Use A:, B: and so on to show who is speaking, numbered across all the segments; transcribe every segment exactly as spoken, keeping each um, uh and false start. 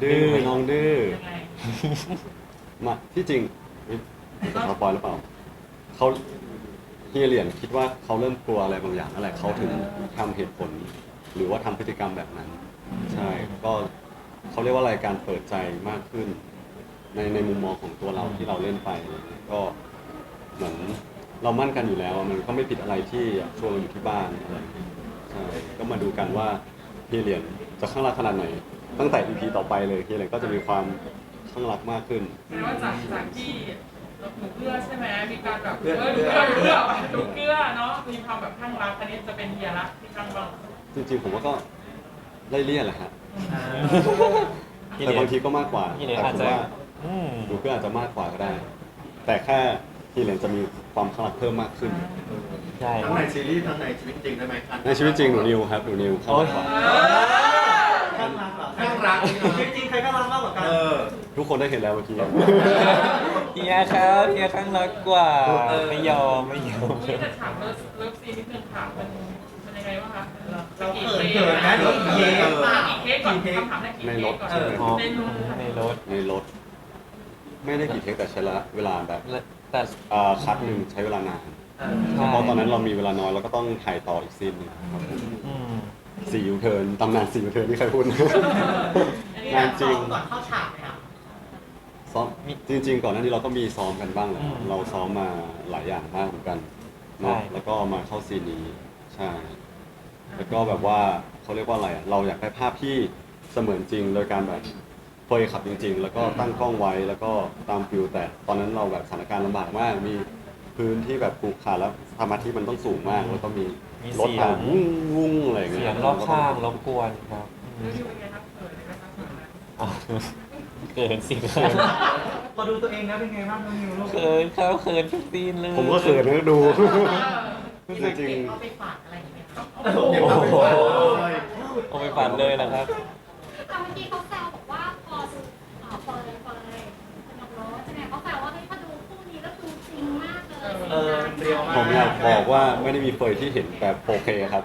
A: ดื้อไปน้องดื้อ
B: ยังไง
A: มาที่จริงจะสปอยหรือเปล่าเขาเฮียเหรียญคิดว่าเขาเริ่มกลัวอะไรบางอย่างนั่นแหละเขาถึงทำเหตุผล หรือว่าทำพฤติกรรมแบบนั้น ใช่ก็เขาเรียกว่าอะไรการเปิดใจมากขึ้น ในในมุมมองของตัวเราที่เราเล่นไปอะไรเงี้ยก็เหมือนเรามั่นกันอยู่แล้วอะมันก็ไม่ผิดอะไรที่ชวนเราอยู่ที่บ้านอะไรเงี้ยใช่ก็มาดูกันว่าเฮียเหรียญจะข้างรักขนาดไหน ตั้งแต่ อี พี ต่อไปเลยเฮียเหรียญก็จะมีความข้างรักมากขึ้น
B: แสดงว่าจากจากที่หนูเกลือใช่ไหมมีการแบบเออหนูเกลือหนูเกลือหนูเกลือเนาะมีความแบบข้างรักอันนี้จะเป็นเฮียละที่ข้างรัก
A: จริงๆผมว่าก็ไล่เลี่ยแหละฮะ
C: พี่
A: แต่
C: เหรียญ
A: บางทีก็มากกว่า
C: พี่เหรียญ
A: แต่
C: อาจ
A: ผม
C: จะ
A: ว่า
C: อืม
A: ดูเพื่อนอาจจะมากกว่าก็ได้ แต่แค่ทีเหรียญจะมีความขลังเพิ่มมากขึ้น
C: ใช่
D: ทั้งในซีรีส์ทั้งในชีวิตจริงได้ไหมครับ
A: ในชีวิตจริงหนูนิวครับหนูนิวเข้ามากกว่า
E: ข้างรักเหรอ
D: ข้างรักนี่
E: จริงๆใครข้างรักมากกว่ากัน
D: เออ
A: ทุกคนได้เห็นแล้วเมื่อกี้
C: เฮียครับเฮียข้างรักกว่าไม่ยอมไม่ยอม
B: นี่จะถามเลิฟเลิฟซีนนิดนึงค่ะมันมันยังไงบ้างคะ
E: เราเขินเขินนะเดี๋ยวเย้
B: กี่เทคก่อนคำถามแรกกี่เทคก่อน
C: อ๋อ
B: ในรถ
C: ในรถ
A: ในรถ ไม่ได้กี่เทคแต่ใช้ละเวลาแบบ
C: แต่
A: อ่าคัดหนึ่งใช้เวลานาน
C: ใช่
A: เพราะตอนนั้นเรามีเวลาน้อยเราก็ต้องถ่ายต่ออีกซีนหนึ่งครับผม
C: อืม
A: สี่ยูเทิร์นตำนานสี่ยูเทิร์นที่ใครพูด งานจริง
E: ก่อนเข้าฉากไหมครับ
A: ซ้อมจริง ๆ ก่อนหน้านี้เราก็มีซ้อมกันบ้างแหละ
C: อืม
A: เราซ้อมมาหลายอย่างมากเหมือนกันเนาะ
C: ใช่
A: แล้วก็มาเข้าซีนนี้ใช่ แล้วก็แบบว่าเขาเรียกว่าอะไรอะเราอยากได้ภาพที่เสมือนจริงโดยการแบบเฟยขับจริง ๆ แล้วก็ตั้งกล้องไว้แล้วก็ตามฟิลแต่ตอนนั้นเราแบบสถานการณ์ลำบากมาก มีพื้นที่แบบปลูกขาดแล้วสมาธิมันต้องสูงมากแล้วก็มี
C: มี
A: รถ
C: เสีย
A: ผ่าง นวุ้งวุ้งอะไรอย่างเงี้
C: เสี
A: ย
C: ยงรอบข้างรบกวนครับอื
B: รี
C: ม
B: วิวเป็นไงครับเขินเลยนะคะเขินนะ
C: อ๋อเขินสิครับ
E: พอดูตัวเองแล้วเป็นไงบ้างน้องนิวลูก
C: เขินครับเขินทุกซีนเลย
A: ผมก็เขินนะดู
E: ที่
A: จ
E: มัน
A: ริง
E: เก็บเอาไปฝากอะไรอย่างเงี้ยครับ
B: โอ้โห
D: เก็บเอาไปไว้เลย
C: เอาไปฝันเลยนะครับ
F: แต่เมื่อกี้เขาแซวบอกว่าพอดูเอ่อเฟิร์นเฟิร์นสนุกโรสใช่ไหมเขาแซวว่าเฮ้ยพอดูคู่นี้แล้วดูจริงมากเลย
E: เออเปรี้ยวมาก
A: ผมอยากบอกว่าไม่ได้มีเฟยที่เห็นแบบ โฟ เค ครับ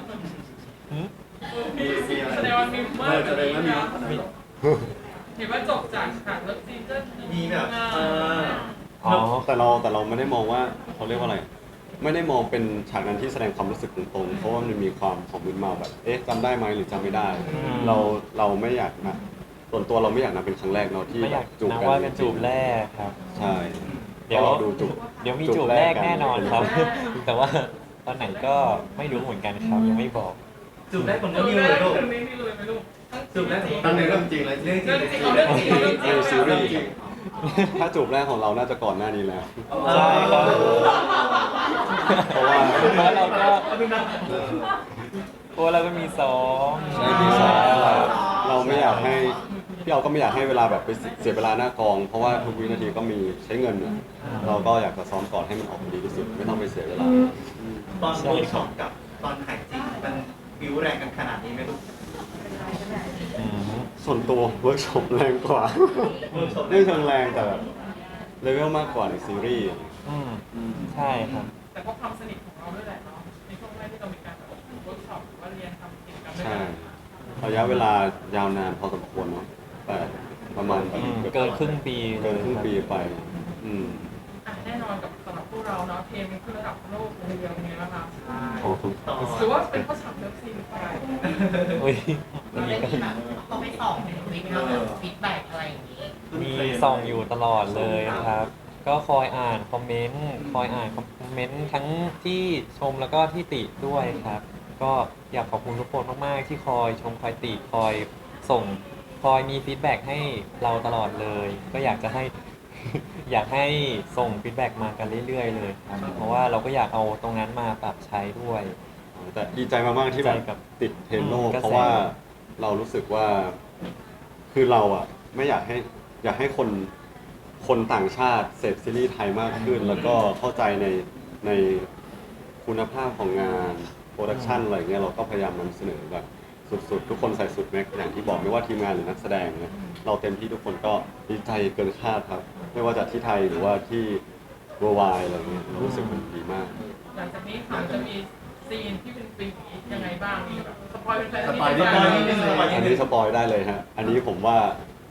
B: มีแสดงว่ามีเมื่อ
D: แสดงว่ามี
B: เห็นว่าจบจากฉากเลิฟซีนก็
E: มีแบบเออ
C: อ๋อ
A: แต่เราแต่เราไม่ได้มองว่าเขาเรียกว่าอะไร ไม่ได้มองเป็นฉากนั้นที่แสดงความรู้สึกตรงๆเพราะว่ามันมีความของมึนเมาแบบเอ๊ะจำได้ไหมหรือจำไม่ได้
C: อืม
A: เราเราไม่อยากนะส่วนตัวเราไม่อยากนับเป็นครั้งแรกเนาะที่
C: ไม่อยาก
A: จูบ
C: นับ
A: กัน
C: ว่าเป็นจูบแรกครับ
A: ใช่
C: เดี๋ยว
A: พราะราดูจูบ
C: เดี๋ยวมีจูบแรกแน่นอนครับ แต่ว่าตอนไหนก็ไม่รู้เหมือนกันครับยังไม่บอก
E: จูบแรกของน้
B: จ
E: อง
B: บ
E: นิว
B: แร
E: เล
B: ก
E: ยลูก
B: ถึงนี้นี่เลยไหมลูก
E: จูบแรกของ
D: ตั้งในเรื่องจริงเลย
E: เรื่องจริ
B: เรื่อง งจริงเอาเรื่องจริงเอาเรื่องจริง
A: ในซีรีส์ถ้าจูบแรกของเราน่าจะก่อนหน้านี้แล้ว
C: ใช่ครับ
A: เพราะว่า
C: เพราะเราก็
E: เอาเป็นนัก
C: เพราะเราก็มีซ้อม
A: ใช่ที่สองเราไม่อยากให้พี่เราก็ไม่อยากให้เวลาแบบไปเสียเวลาหน้ากอง เพราะว่าทุกวินาทีก็มีใช้เงินอะเราก็อยากจะซ้อมก่อนให้มันออกมาดีที่สุด ไม่ต้องไปเสียเวลา
E: ตอนเวิร์กช็อปกับตอนถ่ายจริงมันบิวแรงกันขนาดนี้ไหมลูก
C: อืม
A: ส่วนตัวเวิร์กช็อปแรงกว่า
E: เวิร์กช็อป
A: ไม่เชิงแรงแต่แบบเลเวลมากกว่าในซีรีส์
C: อืมใช่ครับ
B: แต่เพราะความสนิทของเราด้วยแหละเนาะในช่วงแรกที่เรามีการแบบเวิร์กช็อปหรือว่าเรียนทำกิจกรรมด้วย
A: ใช่
B: กัน
A: ระยะเวลายาวนานพอสมควรเนาะแต่ประมาณแบบ
C: อืมเกินครึ่งปี
A: เกินครึ่งปีไป อืม
B: อ่ะแน่นอนกับสำหรับพวกเราเนาะเทมมันขึ้นระดับโลกเลยเป็นไงบ้างคะ
A: ขอบคุณ
E: ต่อ
B: หรือว่าเป็นเพราะฉากเลิฟซีนหรือเปล่า
C: อุ้ย
G: เราได้มีแบบเขาไปส่องในทวิตเนาะแบบฟีดแบ็กอะไรอย่างนี้
C: มีส่องอยู่ตลอดเลยนะครับ ก็คอยอ่านคอมเมนต์คอยอ่านคอมเมนต์ทั้งที่ชมแล้วก็ที่ติด้วยครับ ก็อยากขอบคุณทุกคนมากๆที่คอยชมคอยติคอยส่งคอยมีฟีดแบ็กให้เราตลอดเลย ก็อยากจะให้ อยากให้ส่งฟีดแบ็กมากันเรื่อยๆเลยครับเพราะว่าเราก็อยากเอาตรงนั้นมาปรับใช้ด้วย
A: แต่ดีใจมากๆที่แบ
C: ดีใจกั
A: บบ ติดเทรนด์โลก
C: อืมกระแส
A: เพราะว่าเรารู้สึกว่าคือเราอ่ะไม่อยากให้อยากให้คนคนต่างชาติเสพซีรีส์ไทยมากขึ้น แล้วก็เข้าใจในในคุณภาพของงานโปรดักชันอะไรเงี้ยเราก็พยายามนำเสนอแบบสุดๆ ทุกคนใส่สุดแม็กซ์อย่างที่บอกไม่ว่าทีมงานหรือนักแสดงเนี่ยเราเต็มที่ทุกคนก็ดีใจเกินคาดครับ ไม่ว่าจะที่ไทยหรือว่าที่เวอร์ไวอะไรเงี้ยรู้สึกมันดีมาก
B: หลังจากนี้ค่ะจะมีซีนที่เป็นปียังไงบ้างมีแบบสปอยเป็นแฟน
D: สปอยนิดนึง
B: นิดนึง
A: อันนี้สปอยได้เลยฮะ อันนี้ผมว่า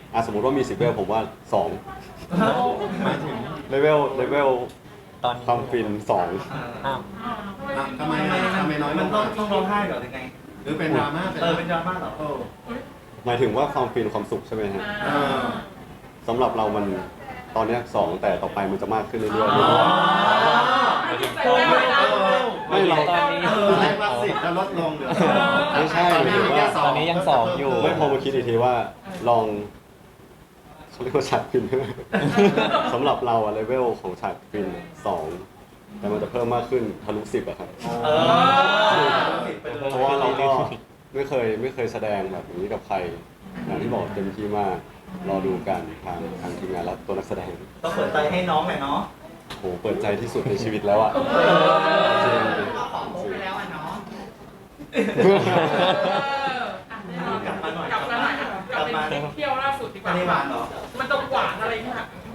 A: อ่ะสมมติว่ามีสิบเลเวลผมว่าสอง
D: หมายถึง
A: เลเวลเลเวล
C: ตอนนี้
A: ความฟินสอง
C: อ้าว
D: อ่ะทำไมอ่ะทำไมน้อยล
E: มัน
D: ง
E: ต้อง
D: อ่ะ
E: ต้องร้องไห้เหรอหรือไง
D: หรือเป็นดราม่าเป็น
E: เออเป็นดราม่าเหรอ
D: โอ้
A: หมายถึงว่าความฟินความสุขใช่ไหมฮะ
D: เออ
A: สำหรับเรามันตอนเนี้ยสองแต่ต่อไปมันจะมากขึ้นเรื่อย
D: อ๋อ
B: ไม่ติดใจแม่เลยนะ
A: ๆไม่เรา
C: ตอนนี้
D: ตอนแรกว่าสิบแล้วลดลงเหลือสอง
A: ไม่ใช่
D: ตอนนี้มีแค่สอง
C: ตอนนี้ยังสองอยู่
A: ไม่พอมาคิดอีกทีว่าลองเขาเรียกว่าฉากฟิน สำหรับเราอะเลเวลของฉากฟินสองแต่มันจะเพิ่มมากขึ้นทะลุสิบอะครับ
E: เออ
A: เพราะว่าเราก็ไม่เคยไม่เคยแสดงแบบนี้กับใคร อย่างที่บอกเต็มที่มากรอดูกันทางทางทีมงานและตัวนักแสดง
E: ต้องเปิดใจให้น้องหน่อยเนาะ
A: โหเปิดใจที่สุดในชีวิตแล้วอะจริง
G: ก็ขอโพสไปแล้วอ่ะเนาะ
B: กลับมาหน่อยกลับมาหน่อยกลับไปเที่ยวล่าสุดดีกว่า
E: ไม่ได้หวานเหรอ
B: มันต้องหวานอะไรเนี่ย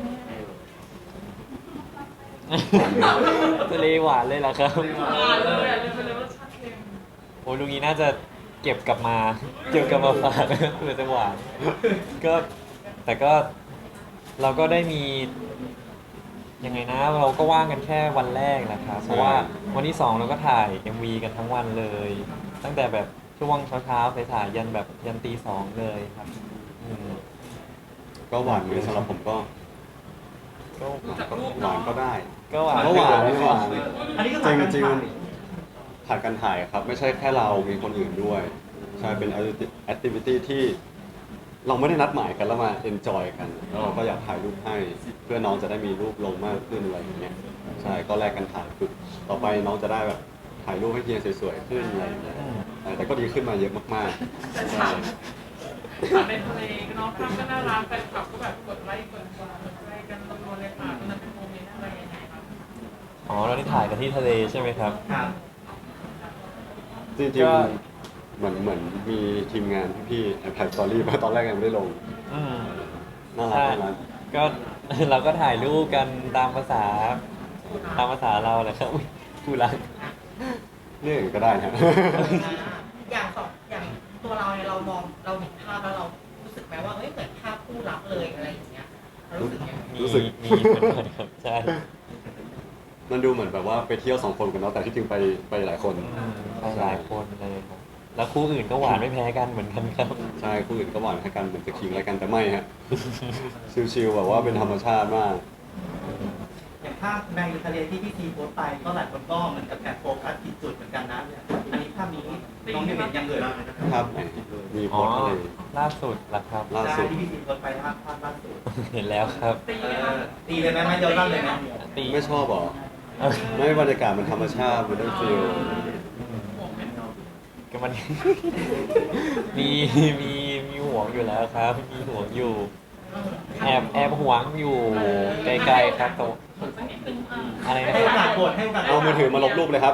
C: ทะเลหวานเลยเหรอครับ
B: หวานเลยอ่ะเลยไปเลยรสชาติเค็ม
C: โอ้ยลุงนี้น่าจะเก็บกลับมา เก็บกลับมาฝาก เพื่อจะหวานก็แต่ก็เราก็ได้มียังไงนะ เราก็ว่างกันแค่วันแรกนะครับเพราะว่าวันที่สองเราก็ถ่าย เอ็ม วี กันทั้งวันเลย ตั้งแต่แบบช่วงเช้าๆไปถ่ายยันแบบยันตีสองเลยครับอืม
A: ก็หวานเหมือนสำหรับผมก็
C: ก็
A: หวานก็ได้
C: ก็หวาน
A: ก็หวานไม่หวาน
E: อันนี้ก็
A: จริง
E: ผ่าน
A: จริง
E: การ
A: ผ่านการถ่ายครับ ไม่ใช่แค่เรามีคนอื่นด้วย ใช่เป็นแอคทิวิตี้ที่เราไม่ได้นัดหมายกันแล้วมาเอนจอยกันแล้วเราก็อยากถ่ายรูปให้เพื่อน้องจะได้มีรูปลงมากขึ้นอะไรอย่างเงี้ยใช่ก็แลกกันถ่ายฝึกต่อไปน้องจะได้แบบถ่ายรูปให้เฮียสวยๆขึ้นอะไรอย่างเงี้ยใช่แต่ก็ดีขึ้นมาเยอะมากๆ
B: แต่
A: ใช่
B: ฉากฉากในทะเลเนาะภาพก็น่ารักแฟนคลับก็แบบกดไลค์กดกดไลค์กันรัวๆเลยค่ะตอนนั้นเป็นโมเมนต์อะไรยังไงครับ
C: อ๋อเราได้ถ่ายกันที่ทะเลใช่ไหมครับ
E: ครับ
A: จริง
C: ก็
A: ๆเหมือนเหมือนมีทีมงานพี่ๆแอบถ่ายสตอรี่มาตอนแรกยังไม่ได้ลง
C: อืม
A: น่ารัก
C: ใช่
A: น่ารัก
C: ก็ เราก็ถ่ายรูปกันตามภาษาตามภาษาเราแหละครับอุ๊ยผู้รัก
A: เรื่องอื่นก็ได้นะ
G: อย่างสองอย่างตัวเราเนี่ยเรามองเราเห็นภาพแล้วเรารู้สึกไหมว่าเอ้ยเหมือนภาพคู่รักเลยอะไรอย่างเงี้ยเรารู้สึกยังไง
C: มี
A: รู้สึก
C: มีเหมือนกันครับใช่
A: มันดูเหมือนแบบว่าไปเที่ยวสองคนกันเนาะแต่ที่จริงไปไปหลายคน
C: อืมไปหลายคนเลยครับแล้วคู่อื่นก็หวานไม่แพ้กันเหมือนกันครับ
A: ใช่คู่อื่นก็หวานให้กันเหมือนจะคิงอะไรกันแต่ไม่ฮะ ชิลๆแบบว่าเป็นธรรมชาติมาก
E: อย่างภาพในทะเลที่พี่ซีโพสต์ไปก็หลายคนก็เหมือนกับแอบโฟกัสผิดจุดเหมือนกันนะ อันนี้ภาพนี้น้องเห็นยังเลย
A: ครับไหนมีโพ
C: อ๋อ
A: สต์อะไร
C: ล่าสุดละครับ
A: ล่าสุด
E: ที่พี่ซีโพสต์ไปภาพภาพล่าสุด
C: เห็นแล้วครับ
B: ตี
E: เอ
B: ไหมคะ
E: อตีเลยไหมไม่เดียวกันเลยไหม
C: ตี
A: ไม่ชอบเหรอ
C: เอ้ย
A: ไม่บรรยากาศมันธรรมชาติมันได้ฟีล
B: ห่วงไหม
C: ก็มัน มีมีมีห่วงอยู่แล้วครับ มีห่วงอยู่ แอบแอบห่วงอยู่ไกลๆครับแต่ว่า
B: สักนิดนึงอ่ะ
C: อะไรนะ
E: ให้
C: ค
E: โอ
C: รับ
E: กาสบทให้โอกาส
A: เอามือถือมาลบรูปเลยครับ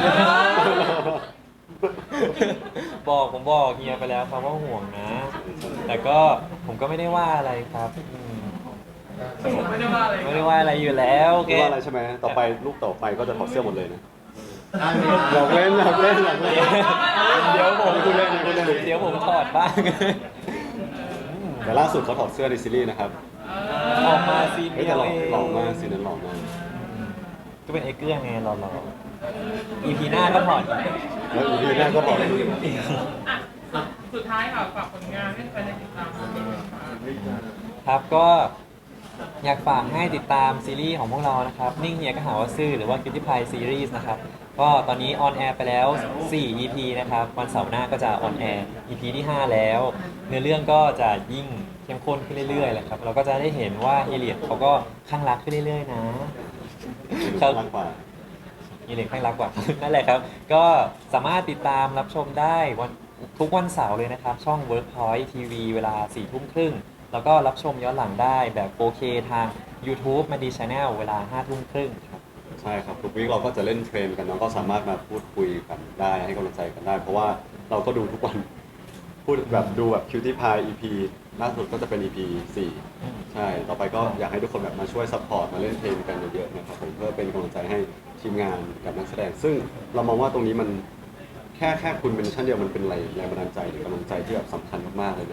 C: บอกผมบอกเฮียไปแล้วครับว่าห่วงนะ แต่ก็ผมก็ไม่ได้ว่าอะไรครับอืม
B: ผมไม่ได้ว่าอะไร
C: ไม่ได้ว่าอะไรอยู่แล้วแก
A: ไม่ว่าอะไรใช่ไหมต่อไปรูปต่อไปก็จะถอดเสื้อหมดเลยนะ
D: ได้ไหม
A: หยอกเล่นหยอกเล่นหยอกเล่น
C: เดี๋ยวผม
A: พูดเล่นพูดเล่น
C: เดี๋ยวผมถอดบ้าง
A: แต่ล่าสุดเขาถอดเสื้อในซีรีส์นะครับ
C: ออกมาซีน
A: เฮ้ย
C: เดี
A: แต่
C: ยว
A: หล่อ
C: เอง
A: หล่อมากซีนนั้นหล่อมาก
C: ก็เป็นไอ้เกื้องไงหล่อๆ อีพีหน้าก็ถอดอีก
A: แล้วอีพีหน้าก็ถอด
B: อ่ะสุดท้ายค่ะฝากผลงานให้แฟนได้ติดตามด้วยค่ะ
C: ครับก็อยากฝากให้ติดตามซีรีส์ของพวกเรานะครับ นิ่งเฮียก็หาว่าซื่อหรือว่า Cutie Pie Series นะครับ ก็ตอนนี้ออนแอร์ไปแล้ว สี่ อี พี นะครับ วันเสาร์หน้าก็จะออนแอร์ อี พี ที่ ห้า แล้ว เนื้อเรื่องก็จะยิ่งเข้มข้นขึ้นเรื่อยๆแหละครับ เราก็จะได้เห็นว่าเฮเลียดเขาก็ข้างรักขึ้นเรื่อยๆนะ
A: ข้างกว่า
C: มีเหล็กข้างรักกว่า นั่นแหละครับ ก็สามารถติดตามรับชมได้วันทุกวันเสาร์เลยนะครับ ช่อง Workpoint ที วี เวลา สี่ ทุ่มครึ่ง แล้วก็รับชมย้อนหลังได้แบบ โฟ เค ทาง YouTube มาดี Channel เวลา ห้า ทุ่มครึ่งครับ
A: ใช่ครับทุกวีคเราก็จะเล่นเทรนกันเนาะก็สามารถมาพูดคุยกันได้ให้กำลังใจกันได้ เพราะว่าเราก็ดูทุกวัน พูดแบบดูแบบ Cutie Pie อี พี ล่าสุดก็จะเป็น อี พี สี่
C: อืม
A: ใช่ ต่อไปก็อยากให้ทุกคนแบบมาช่วยซัพพอร์ตมาเล่นเทรนกันเยอะๆนะครับผมเพื่อเป็นกำลังใจให้ทีมงานกับนักแสดง ซึ่งเรามองว่าตรงนี้มันแค่แค่คุณเป็นชั้นเดียวมันเป็นแรงแรงบันดาลใจหรือกำลังใจที่แบบสำคัญมากๆเลยนะ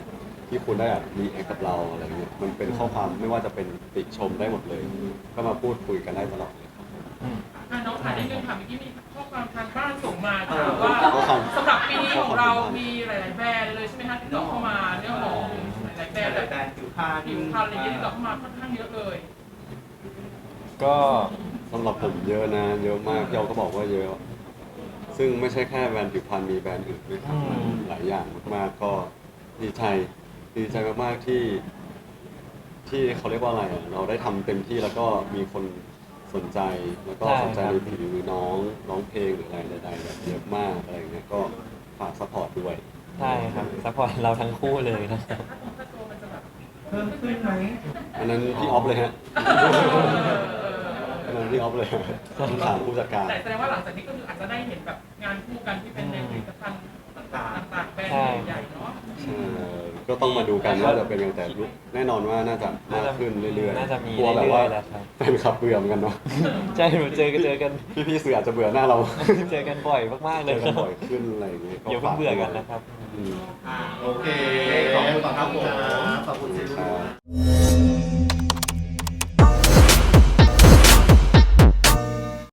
A: ที่คุณได้รีแอคกับเราอะไรเงี้ยมันเป็นข้อความไม่ว่าจะเป็นติชมได้หมดเลย ก็มาพูดคุยกันได้ตลอดเลยครับ
C: อืม
B: อ่ะน้องถามนิดนึงค่ะเมื่อกี้มีข้อความทางบ้านส่งมาถามว่า
A: ข้อความ
B: สำหรับปีนี้ของเรามีหลาย ๆ แบรนด์เลยใช่ไหมคะที่ต่อเข้ามาเรื่องของหลายๆแบรนด์
E: แต่
B: แบบ
E: แบรนด์ผิวพรรณ
B: ผิวพรรณอะไรอย่างเงี้ยที่ต่อเข้ามาค่อนข้างเยอะเลย
C: ก็
A: สำหรับผมเยอะนะ เยอะมากเราก็บอกว่าเยอะ ซึ่งไม่ใช่แค่แบรนด์ผิวพรรณมีแบรนด์อื่นด้วยครับ
C: อืม
A: หลายอย่างมากๆก็ดีใจดีใจมากๆที่ ที่เขาเรียกว่าอะไรอะเราได้ทำเต็มที่แล้วก็มีคนสนใจแล้วก็สนใจในผิวน้องร้องเพลงหรืออะไรใดๆแบบเยอะมากอะไรอย่างเงี้ยก็ฝากซัพพอร์ตด้วย
C: ใช่ครับซัพพอร์ตเราทั้งคู่เลยนะค
B: แต่
C: รับ
B: ถ้าตรงค่าตัวมันจะแบบ
E: เพิ่มขึ้นไหม
A: อันนั้นพี่ออฟเลยฮะ
B: เออ
A: อันนั้นพี่ออฟเลยต้องถามผู้จัดการ
B: แต่แสดงว่าหลังจากนี้ก็คืออาจจะได้เห็นแบบงานคู่กันที่เป็นในผลิตภัณฑ์ต่างๆต่างๆแบรนด์ใหญ่ๆเนาะ
A: ใช่ก็ต้องมาดูกันว่าจะเป็นยังไงแต่รู้แน่นอนว่าน่าจะมากขึ้นเรื่อยๆ
C: น่าจะมี
A: กลัวแบบว่า
C: เรื่อยๆแหละครับ
A: แฟนคลับเบื่อเหมือนกันเนาะ
C: ใช่เราเจอกันเจอกัน
A: พี่ๆสื่ออาจจะเบื่อหน้าเรา
C: เจอกันบ่อยมากๆเล
A: เจ
C: ย
A: อ
C: ค
A: กั
C: รั
A: น
C: บ
A: บ่อยขึ้นอะไรอย่างเงี้ย
C: อย่าเพิ่งเบื่อกันนะครับ
A: อืม
E: อ่า
D: โอเค
E: ขอบคุณครับผม
D: ขอบคุณครับขอบคุณสิ
A: ค
D: ลู
A: รั
D: ก
A: บ